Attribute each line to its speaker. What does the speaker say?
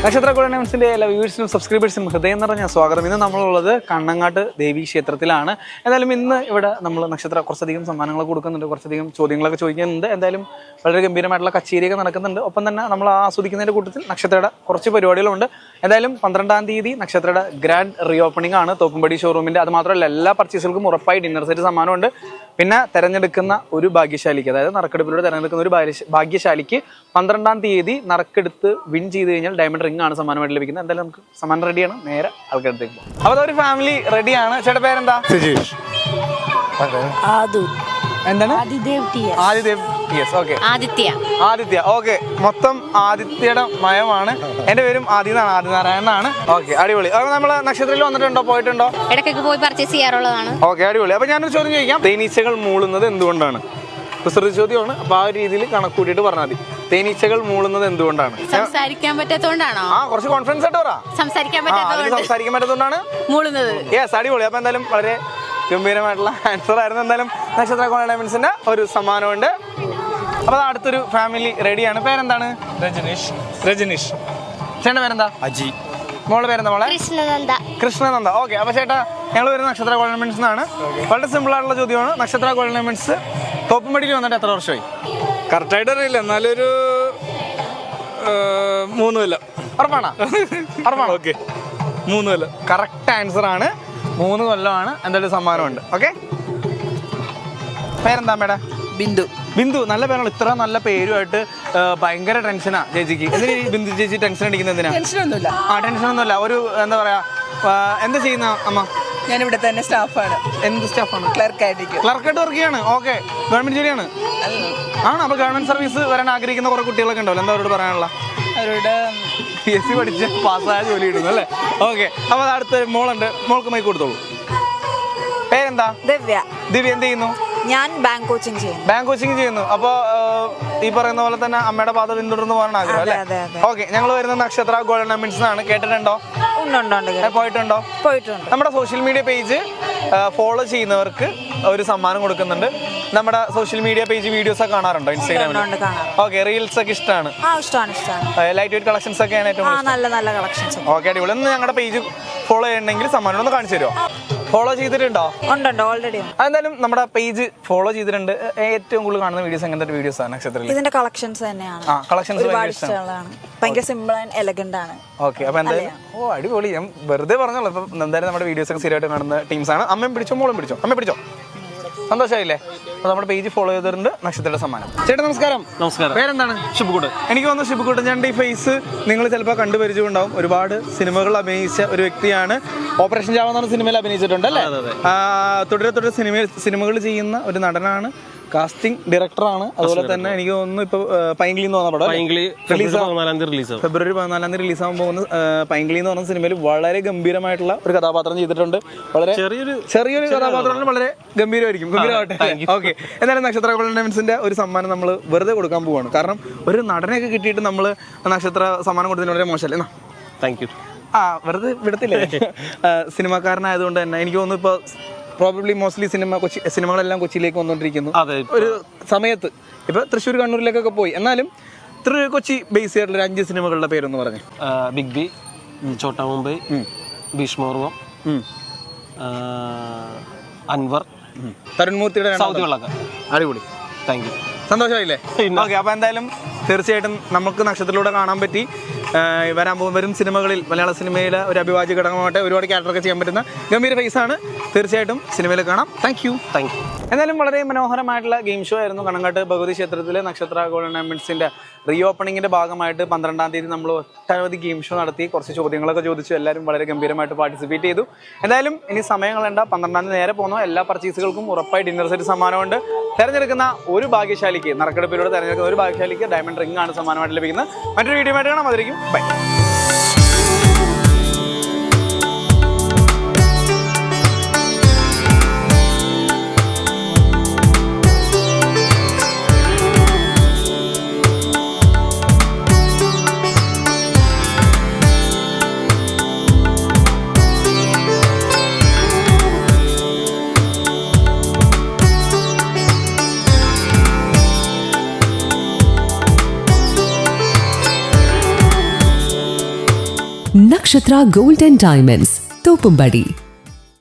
Speaker 1: നക്ഷത്ര ഗോൾഡൻസിന്റെ എല്ലാ വ്യൂവേഴ്സിനും സബ്സ്ക്രൈബേഴ്സിനും ഹൃദയം നിറഞ്ഞ സ്വാഗതം. ഇന്ന് നമ്മളുള്ളത് കണ്ണങ്ങാട്ട് ദേവി ക്ഷേത്രത്തിലാണ്. എന്തായാലും ഇന്ന് ഇവിടെ നമ്മൾ നക്ഷത്ര കുറച്ചധികം സമ്മാനങ്ങൾ കൊടുക്കുന്നുണ്ട്, കുറച്ചധികം ചോദ്യങ്ങളൊക്കെ ചോദിക്കുന്നുണ്ട്. എന്തായാലും വളരെ ഗംഭീരമായിട്ടുള്ള കച്ചേരിയൊക്കെ നടക്കുന്നുണ്ട്. ഒപ്പം തന്നെ നമ്മൾ ആസ്വദിക്കുന്നതിന്റെ കൂട്ടത്തിൽ നക്ഷത്രയുടെ കുറച്ച് പരിപാടികളുണ്ട്. എന്തായാലും 12-ാം തീയതി നക്ഷത്രയുടെ ഗ്രാൻഡ് റീ ഓപ്പണിംഗ് ആണ് തോപ്പുംപടി ഷോറൂമിന്റെ. അത് മാത്രമല്ല എല്ലാ പർച്ചേസുകൾക്കും ഉറപ്പായി ഡിന്നർ സെറ്റ് സമ്മാനമുണ്ട്. പിന്നെ തെരഞ്ഞെടുക്കുന്ന ഒരു ഭാഗ്യശാലിക്ക്, അതായത് നറുക്കെടുപ്പിലൂടെ തെരഞ്ഞെടുക്കുന്ന ഒരു ഭാഗ്യശാലിക്ക് 12-ാം തീയതി നറുക്കെടുത്ത് വിൻ ചെയ്ത് കഴിഞ്ഞാൽ ഡയമണ്ട് റിംഗ് ആണ് സമ്മാനമായിട്ട് ലഭിക്കുന്നത്. എന്തായാലും നമുക്ക് സമ്മാനം റെഡിയാണ്, നേരെ ആൾക്കാരത്തേക്ക് പോകും. അപ്പോൾ അതൊരു ഫാമിലി റെഡിയാണ്. ചേട്ടാ പേരെന്താ? സുജീഷ്. എന്താണ്? ആദിത്യ. ഓക്കെ, മൊത്തം ആദിത്യയുടെ മയമാണ്. എന്റെ പേരും ആദിനാരായണനാണ്. ഓക്കെ, അടിപൊളി. അപ്പൊ നമ്മള് നക്ഷത്രത്തിൽ വന്നിട്ടുണ്ടോ, പോയിട്ടുണ്ടോ?
Speaker 2: ഇടയ്ക്കൊക്കെ പോയി പർച്ചേസ് ചെയ്യാറുള്ളതാണ്.
Speaker 1: ഓക്കെ, അടിപൊളി. അപ്പൊ ഞാനൊരു ചോദ്യം ചോദിക്കാം. തേനീച്ചകൾ മൂളുന്നത് എന്തുകൊണ്ടാണ്? കുസൃതി ചോദ്യമാണ്. അപ്പൊ ആ ഒരു രീതിയിൽ കണക്കൂട്ടിയിട്ട് പറഞ്ഞാൽ മതി. തേനീച്ചകൾ മൂളുന്നത് എന്തുകൊണ്ടാണ്?
Speaker 2: സംസാരിക്കാൻ പറ്റാത്തതുകൊണ്ടാണോ?
Speaker 1: കുറച്ച് കോൺഫിഡൻസ് ആയിട്ട് പറ.
Speaker 2: സംസാരിക്കാൻ പറ്റാത്തതുകൊണ്ടാണ് മൂളുന്നത്.
Speaker 1: യെസ്, അടിപൊളി. അപ്പൊ എന്തായാലും വളരെ ഗംഭീരമായിട്ടുള്ള ആൻസർ ആയിരുന്നു. എന്തായാലും നക്ഷത്ര ഡയമണ്ട്സിന്റെ ഒരു സമ്മാനമുണ്ട്. അപ്പൊ അടുത്തൊരു ഫാമിലി റെഡിയാണ്. പേരെന്താണ്? രജനീഷ്. ചേട്ടന്റെ പേരെന്താ? അജി. മോളുടെ പേരെന്താ? മോളെ കൃഷ്ണനന്ദ. ഓക്കെ, അപ്പൊ ചേട്ടാ ഞങ്ങൾ വരുന്ന നക്ഷത്ര ഡയമണ്ട്സ് എന്നാണ്. വളരെ സിമ്പിൾ ആയിട്ടുള്ള ചോദ്യമാണ്. നക്ഷത്ര ഡയമണ്ട്സ് തോപ്പുംപടിയിൽ വന്നിട്ട് എത്ര വർഷമായി?
Speaker 3: കറക്റ്റായിട്ട് അറിയില്ല, എന്നാലൊരു 3 കൊല്ലം.
Speaker 1: ഉറപ്പാണോ?
Speaker 3: ഓക്കെ, 3 കൊല്ലം.
Speaker 1: കറക്റ്റ് ആൻസർ ആണ്. 3 കൊല്ലമാണ്. എന്തായാലും സമ്മാനമുണ്ട്. ഓക്കെ, പേരെന്താ മേഡം? ബിന്ദു. നല്ല പേരാണ്. ഇത്ര നല്ല പേരുമായിട്ട് ഭയങ്കര ടെൻഷനാ ചേച്ചിക്ക്. എന്തിനാ ബിന്ദു ചേച്ചി ടെൻഷൻ അടിക്കുന്നത്? എന്തിനാ? ടെൻഷനൊന്നുമില്ല. ഒരു എന്താ പറയാ, എന്താ ചെയ്യുന്ന അമ്മ?
Speaker 4: ഞാനിവിടെ തന്നെ സ്റ്റാഫാണ്.
Speaker 1: എന്ത് സ്റ്റാഫാണ്?
Speaker 4: ക്ലർക്കായിട്ട്
Speaker 1: വർക്ക് ചെയ്യാണ്. ഓക്കെ, ഗവൺമെന്റ് ജോലിയാണ് ആണ്. അപ്പൊ ഗവൺമെന്റ് സർവീസ് വരാൻ ആഗ്രഹിക്കുന്ന കുറെ കുട്ടികളൊക്കെ ഉണ്ടാവില്ല, എന്താ അവരോട് പറയാനുള്ള?
Speaker 4: അവരോട്
Speaker 1: PSC പഠിച്ച് പാസ്സായ ജോലി കിട്ടുന്നു അല്ലേ? ഓക്കെ, അപ്പൊ അടുത്ത മോളുണ്ട്. മോൾക്ക് മൈക്ക് കൊടുത്തോളൂ. പേരെന്താ?
Speaker 4: ദിവ്യ.
Speaker 1: എന്ത് ചെയ്യുന്നു?
Speaker 4: ഞാൻ ബാങ്ക് കോച്ചിങ്
Speaker 1: ചെയ്യുന്നു. അപ്പൊ ഈ പറയുന്ന പോലെ തന്നെ അമ്മയുടെ പാത പിന്തുടർന്ന് പോകാൻ ആഗ്രഹം അല്ലേ? ഓക്കെ, ഞങ്ങൾ വരുന്ന നക്ഷത്ര ഗോൾഡൻ ഡയമണ്ട്സ് എന്നാണ്. കേട്ടിട്ടുണ്ടോ? പോയിട്ടുണ്ടോ? നമ്മുടെ സോഷ്യൽ മീഡിയ പേജ് ഫോളോ ചെയ്യുന്നവർക്ക് ഒരു സമ്മാനം കൊടുക്കുന്നുണ്ട്. നമ്മുടെ സോഷ്യൽ മീഡിയ പേജ് വീഡിയോസ് ഒക്കെ കാണാറുണ്ടോ? ഇൻസ്റ്റാഗ്രാമിൽ. ഓക്കെ, റീൽസ് ഒക്കെ ഇഷ്ടമാണ്? ലൈറ്റ് വെയിറ്റ് കളക്ഷൻസ് ഒക്കെയാണ് ഏറ്റവും
Speaker 4: നല്ല കളക്ഷൻസ്.
Speaker 1: ഓക്കെ, അടിപൊളി. ഒന്ന് ഞങ്ങളുടെ പേജ് ഫോളോ ചെയ്യണമെങ്കിൽ സമ്മാനം ഒന്ന് കാണിച്ചു തരുമോ? ഫോളോ ചെയ്തിട്ടുണ്ടോ?
Speaker 4: ഓൾറെഡി.
Speaker 1: എന്തായാലും നമ്മുടെ പേജ് ഫോളോ ചെയ്തിട്ടുണ്ട്. ഏറ്റവും കൂടുതൽ കാണുന്ന വീഡിയോസ് എങ്ങനത്തെ വീഡിയോസ് ആണ് നക്ഷത്രത്തിൽ?
Speaker 4: ഇതിന്റെ കളക്ഷൻസ് തന്നെയാണ്. ഭയങ്കര സിമ്പിൾ ആൻഡ് എലഗന്റ് ആണ്.
Speaker 1: ഓക്കെ, അപ്പൊ എന്തായാലും അടിപൊളി. ഞാൻ വെറുതെ പറഞ്ഞോളൂ. ഇപ്പൊ എന്തായാലും നമ്മുടെ വീഡിയോസ് ഒക്കെ സ്ഥിരമായിട്ട് കാണുന്ന ടീംസാണ്. അമ്മയും പിടിച്ചോ, മോളും പിടിച്ചോ. അമ്മ പിടിച്ചോ. സന്തോഷമായില്ലേ? അപ്പൊ നമ്മുടെ പേജ് ഫോളോ ചെയ്തിട്ടുണ്ട്. നക്ഷത്രയുടെ സമ്മാനം. ചേട്ടാ നമസ്കാരം. പേരെന്താണ്? ഷിബുക്കുട്ട്. എനിക്ക് തോന്നുന്നു ഷിബുക്കുട്ട് ഞാൻ ഈ ഫേസ് നിങ്ങൾ ചിലപ്പോൾ കണ്ടുപരിചയമുണ്ടാവും. ഒരുപാട് സിനിമകൾ അഭിനയിച്ച ഒരു വ്യക്തിയാണ്. ഓപ്പറേഷൻ ജാവ എന്ന സിനിമയിൽ അഭിനയിച്ചിട്ടുണ്ട് അല്ലേ? തുടരെ സിനിമകൾ ചെയ്യുന്ന ഒരു നടനാണ്. കാസ്റ്റിംഗ് ഡയറക്ടറാണ്. അതുപോലെ തന്നെ എനിക്ക് തോന്നുന്നു ഇപ്പൊ പൈങ്കിളി എന്ന് പറഞ്ഞ പടം ഫെബ്രുവരി 14 റിലീസാകാൻ പോകുന്ന പൈങ്കിളി എന്ന് പറഞ്ഞ സിനിമയിൽ വളരെ ഗംഭീരമായിട്ടുള്ള ഒരു കഥാപാത്രം ചെയ്തിട്ടുണ്ട്. വളരെ ചെറിയൊരു കഥാപാത്രമാണ്. വളരെ ഗംഭീരമായിരിക്കും. ഓക്കെ, എന്തായാലും നക്ഷത്ര ഗോൾഡൻ ഡയമണ്ട്സിന്റെ ഒരു സമ്മാനം നമ്മൾ വെറുതെ കൊടുക്കാൻ പോവാണ്. കാരണം ഒരു നടനെയൊക്കെ കിട്ടിയിട്ട് നമ്മൾ നക്ഷത്ര സമ്മാനം കൊടുത്തതിന് വളരെ മോശമല്ലേ?
Speaker 3: Thank you.
Speaker 1: വെറുതെ വിടത്തില്ലേ? സിനിമാക്കാരനായതുകൊണ്ട് തന്നെ എനിക്ക് തോന്നുന്നു ഇപ്പൊ പ്രോബബ്ലി മോസ്റ്റ്ലി സിനിമകളെല്ലാം കൊച്ചിയിലേക്ക് വന്നുകൊണ്ടിരിക്കുന്നു. ഒരു സമയത്ത് ഇപ്പൊ തൃശ്ശൂർ കണ്ണൂരിലേക്കൊക്കെ പോയി. എന്നാലും കൊച്ചി ബേസ് ചെയ്തിട്ടുള്ള 5 സിനിമകളുടെ പേരൊന്ന് പറഞ്ഞു.
Speaker 3: ബിഗ് ബി, ചോട്ടാ മുംബൈ, ഭീഷ്മപർവം, അൻവർ,
Speaker 1: തരുൺ മൂർത്തിയുടെ
Speaker 3: സൗദി വെള്ളക്ക.
Speaker 1: അടിപൊളി.
Speaker 3: Thank you.
Speaker 1: സന്തോഷമായില്ലേ? ഓക്കെ, അപ്പൊ എന്തായാലും തീർച്ചയായിട്ടും നമുക്ക് നക്ഷത്രത്തിലൂടെ കാണാൻ പറ്റി. വരും സിനിമകളിൽ മലയാള സിനിമയിലെ ഒരു അഭിവാജ്യ ഘടകമായിട്ട് ഒരുപാട് ക്യാരക്ടറൊക്കെ ചെയ്യാൻ പറ്റുന്ന ഗംഭീര ഫേസാണ്. തീർച്ചയായിട്ടും സിനിമയിൽ കാണാം. Thank you. എന്തായാലും വളരെ മനോഹരമായിട്ടുള്ള ഗെയിം ഷോ ആയിരുന്നു. കണ്ണങ്ങാട്ട് ഭഗവതി ക്ഷേത്രത്തിലെ നക്ഷത്ര ഗോൾഡൻ ഡയമണ്ട്സിന്റെ റീ ഓപ്പണിങ്ങിന്റെ ഭാഗമായിട്ട് 12-ാം തീയതി നമ്മൾ ഒട്ടനവധി ഗെയിം ഷോ നടത്തി. കുറച്ച് ചോദ്യങ്ങളൊക്കെ ചോദിച്ചു. എല്ലാവരും വളരെ ഗംഭീരമായിട്ട് പാർട്ടിസിപ്പേറ്റ് ചെയ്തു. എന്തായാലും ഇനി സമയം കളയണ്ട. 12-ാം തീയതി നേരെ പോകുന്ന എല്ലാ പർച്ചേസുകൾക്കും ഉറപ്പായി ഡിന്നർ സെറ്റ് സമ്മാനമുണ്ട്. തെരഞ്ഞെടുക്കുന്ന ഒരു ഭാഗ്യശാലിക്ക്, നറുക്കെടുപ്പിലൂടെ തെരഞ്ഞെടുക്കുന്ന ഒരു ഭാഗ്യശാലിക്ക് ഡയമണ്ട് റിംഗ് ആണ് സമ്മാനമായിട്ട് ലഭിക്കുന്നത്. മറ്റൊരു വീഡിയോ ആയിട്ട് കാണാം. അതിരിക്കും. Bye.
Speaker 5: Nakshatra Gold and Diamonds, Topumbadi.